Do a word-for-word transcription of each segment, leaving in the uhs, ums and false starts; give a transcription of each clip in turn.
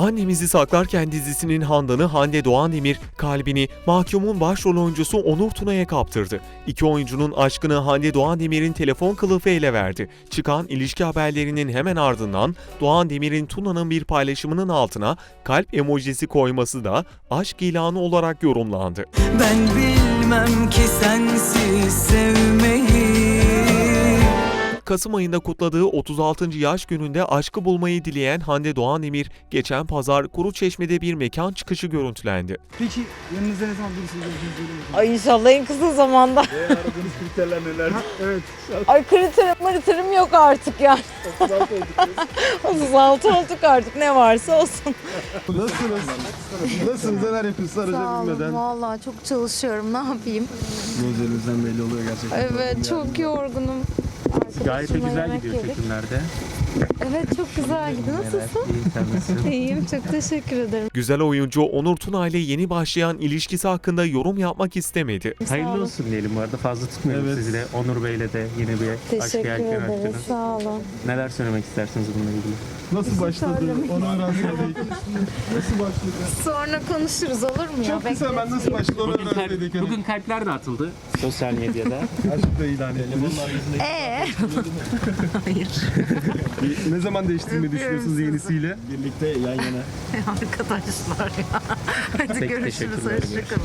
Annemizi Saklarken dizisinin Handan'ı Hande Doğan Demir, kalbini mahkumun başrol oyuncusu Onur Tuna'ya kaptırdı. İki oyuncunun aşkını Hande Doğan Demir'in telefon kılıfı ele verdi. Çıkan ilişki haberlerinin hemen ardından Doğan Demir'in Tuna'nın bir paylaşımının altına kalp emojisi koyması da aşk ilanı olarak yorumlandı. Ben bilmem ki sensiz sevmeyi. Kasım ayında kutladığı otuz altıncı yaş gününde aşkı bulmayı dileyen Hande Doğan Demir, geçen pazar Kuruçeşme'de bir mekan çıkışı görüntülendi. Peki yanınızda ne zaman birisini göreceğinizi söyleyin. Ay inşallah en kısa zamanda. Ve aradığınız kriterler neler? Evet. Ay kriterim kriterim yok artık yani. otuz altı olduk. otuz altı olduk artık, ne varsa olsun. Nasılsınız? Nasılsınız? Neler yapıyorsunuz? Sağ Araca olun. binmeden. Valla çok çalışıyorum. Ne yapayım? Gözlerinizden belli oluyor gerçekten. Evet, çok yorgunum. Gayet de Arkadaşımla güzel yemek gidiyor yedik. çekimlerde. Evet, çok güzel gidiyor. Nasılsın? İyi, sen nasılsın? İyiyim, çok teşekkür ederim. Güzel oyuncu Onur Tuna ile yeni başlayan ilişkisi hakkında yorum yapmak istemedi. Sağ Hayırlı olun. olsun diyelim bu arada. Fazla tutmayalım Evet. sizi de. Onur Bey'le de yeni bir aşk Teşekkür yelken ederiz. açtınız. Sağ olun. Neler söylemek istersiniz bununla ilgili? Nasıl başladı? söylemeyin. Onu öğrenseydik. Nasıl başladı? Sonra konuşuruz, olur mu ya? Çok kısa ben nasıl başladı onu Bugün, kalp, öğrenseydik. Hani. bugün kalpler de atıldı sosyal medyada. Aşk da ilan ettiniz. Ee? Hayır. Ne zaman değiştirmeyi düşünüyorsunuz yenisiyle? Birlikte yan yana. Arkadaşlar ya. Hadi Peki, görüşürüz. teşekkürler. Hoşçakalın.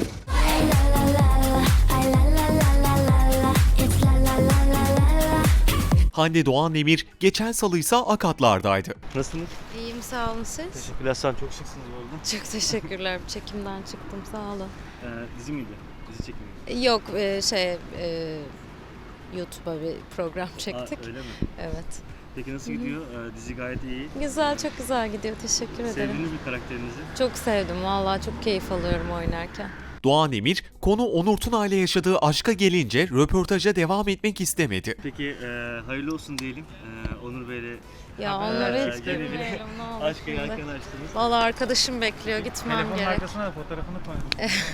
Hande Doğan Demir geçen salı ise Akatlar'daydı. Nasılsınız? İyiyim, sağ olun siz. Teşekkürler. Sen çok şıksınız bu arada. Çok teşekkürler. Çekimden çıktım, sağ olun. Ee, dizi miydi? Dizi çekimi miydi? Yok e, şey e, YouTube'a bir program çektik. Aa, öyle mi? Evet. Peki nasıl gidiyor? Ee, dizi gayet iyi. Güzel, çok güzel gidiyor. Teşekkür ederim. Sevdiniz mi karakterinizi? Çok sevdim. Vallahi çok keyif alıyorum oynarken. Doğan Demir, konu Onur Tuna ile yaşadığı aşka gelince röportaja devam etmek istemedi. Peki e, hayırlı olsun diyelim. E, Onur Bey'le Ya Haber- onları Ee, hiç gene bir bilmiyorum. Ne olur aşk şimdi. yelken açtınız. Vallahi arkadaşım bekliyor. Gitmem gerek. fotoğrafını koydum.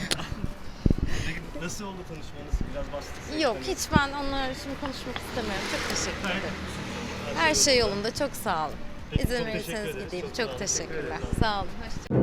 Nasıl oldu tanışmanız? Biraz bahsedin. Yok, hiç ben onlarla şimdi konuşmak istemiyorum. Çok teşekkür ederim. Her şey yolunda. Çok sağ olun. İzin çok verirseniz teşekkür ederiz. gideyim. Çok sağ Çok olun. teşekkürler. Sağ olun. Hoşça